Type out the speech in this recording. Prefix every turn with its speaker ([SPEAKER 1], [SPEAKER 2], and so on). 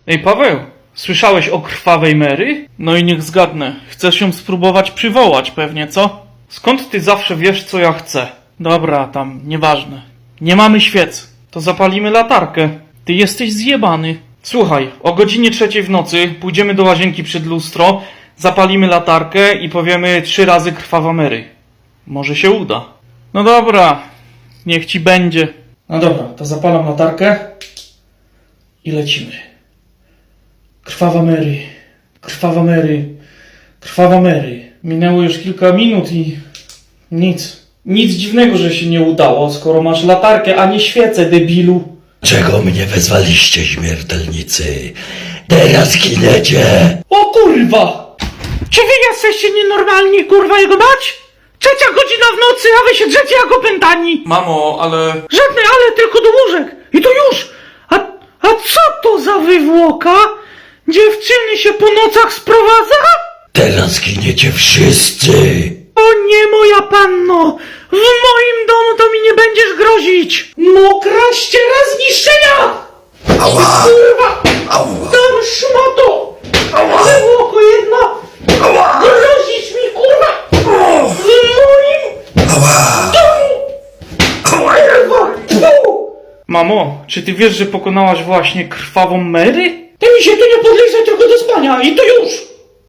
[SPEAKER 1] Ej, Paweł, słyszałeś o krwawej Mary? No i niech zgadnę, chcesz ją spróbować przywołać pewnie, co? Skąd ty zawsze wiesz, co ja chcę? Dobra, tam, nieważne. Nie mamy świec, to zapalimy latarkę. Ty jesteś zjebany. Słuchaj, o godzinie 3 w nocy pójdziemy do łazienki przed lustro, zapalimy latarkę i powiemy 3 razy krwawa Mary. Może się uda. No dobra, niech ci będzie. No dobra, to zapalam latarkę i lecimy. Krwawa Mary, krwawa Mary, krwawa Mary. Minęło już kilka minut i nic. Nic dziwnego, że się nie udało, skoro masz latarkę, a nie świecę, debilu.
[SPEAKER 2] Czego mnie wezwaliście, śmiertelnicy? Teraz giniecie!
[SPEAKER 1] O kurwa! Czy wy jesteście nienormalni, kurwa, jego mać? 3 godzina w nocy, a wy się drzecie jak opętani! Mamo, ale... Żadne ale, tylko do łóżek! I to już! A co to za wywłoka? Dziewczyny się po nocach sprowadza?
[SPEAKER 2] Teraz giniecie wszyscy!
[SPEAKER 1] O nie, moja panno! W moim domu to mi nie będziesz grozić! Mokra ściera zniszczenia!
[SPEAKER 2] Ała!
[SPEAKER 1] Kurwa!
[SPEAKER 2] Ała!
[SPEAKER 1] Tam szmato!
[SPEAKER 2] Ała!
[SPEAKER 1] Wywłoko jedna!
[SPEAKER 2] Ała!
[SPEAKER 1] Grozisz mi, kurwa! W moim
[SPEAKER 2] Ała!
[SPEAKER 1] domu!
[SPEAKER 2] Ała!
[SPEAKER 1] Mamo, czy ty wiesz, że pokonałaś właśnie krwawą Mary? Ty mi się tu nie podliżaj tylko do spania i to już!